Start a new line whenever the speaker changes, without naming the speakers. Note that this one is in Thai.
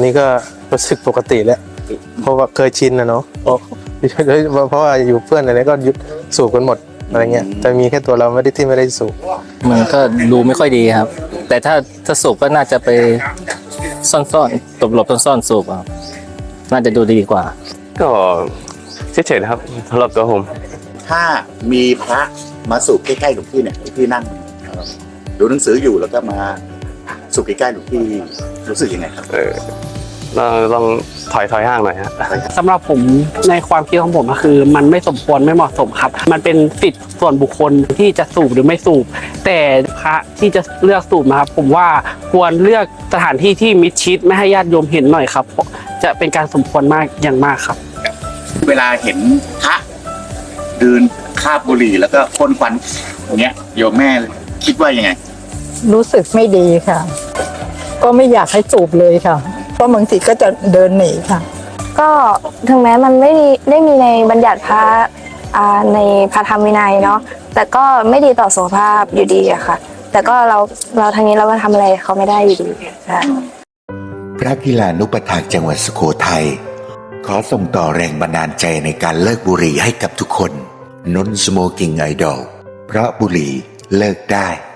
นี้ก็รู้สึกปกติแล้วเพราะว่าเคยชินนะเนาะเพราะว่าอยู่เพื่อนอะไรก็ยุดสูบกันหมดอะไรเงี้ยแต่มีแค่ตัวเราที่ไม่ได้สูบ
มันก็ดูไม่ค่อยดีครับแต่ถ้าสูบก็น่าจะไปซ่อนๆหลบซ่อนสูบครับน่าจะดูดีกว่า
ก็เฉยๆนะครับสำหรับตัวผม
ถ้ามีพระมาสูบใกล้ๆหลวงพี่เนี่ยหลวงพี่นั่งดูหนังสืออยู่แล้วก็มาสูบใกล้ๆหลวงพี่รู้สึกยังไงครับ
ลองถอยห่างหน่อยฮะ
สำหรับผมในความคิดของผมก็คือมันไม่สมควรไม่เหมาะสมครับมันเป็นสิทธิ์ส่วนบุคคลที่จะสูบหรือไม่สูบแต่พระที่จะเลือกสูบนะครับผมว่าควรเลือกสถานที่ที่มิดชิดไม่ให้ญาติโยมเห็นหน่อยครับจะเป็นการสมควรมากอย่างมากครับ
เวลาเห็นพระเดินคาบบุหรี่แล้วก็พ่นควันอย่างเงี้ยโยมแม่คิดว่ายังไง
รู้สึกไม่ดีค่ะก็ไม่อยากให้สูบเลยค่ะเพราะบางทีก็จะเดินหนีค่ะ
ก็ถึงแม้มันไม่ได้มีในบัญญัติพระในพระธรรมวินัยเนาะแต่ก็ไม่ดีต่อสุขภาพอยู่ดีอะค่ะแต่ก็เราทางนี้เราก็ทำอะไรเขาไม่ได้อยู่ดีค่ะ
พระกีฬานุปถากจังหวัดสุโขทัยขอส่งต่อแรงบันดาลใจในการเลิกบุหรี่ให้กับทุกคนนนสโมกิ้งไอดอลเพราะบุหรี่เลิกได้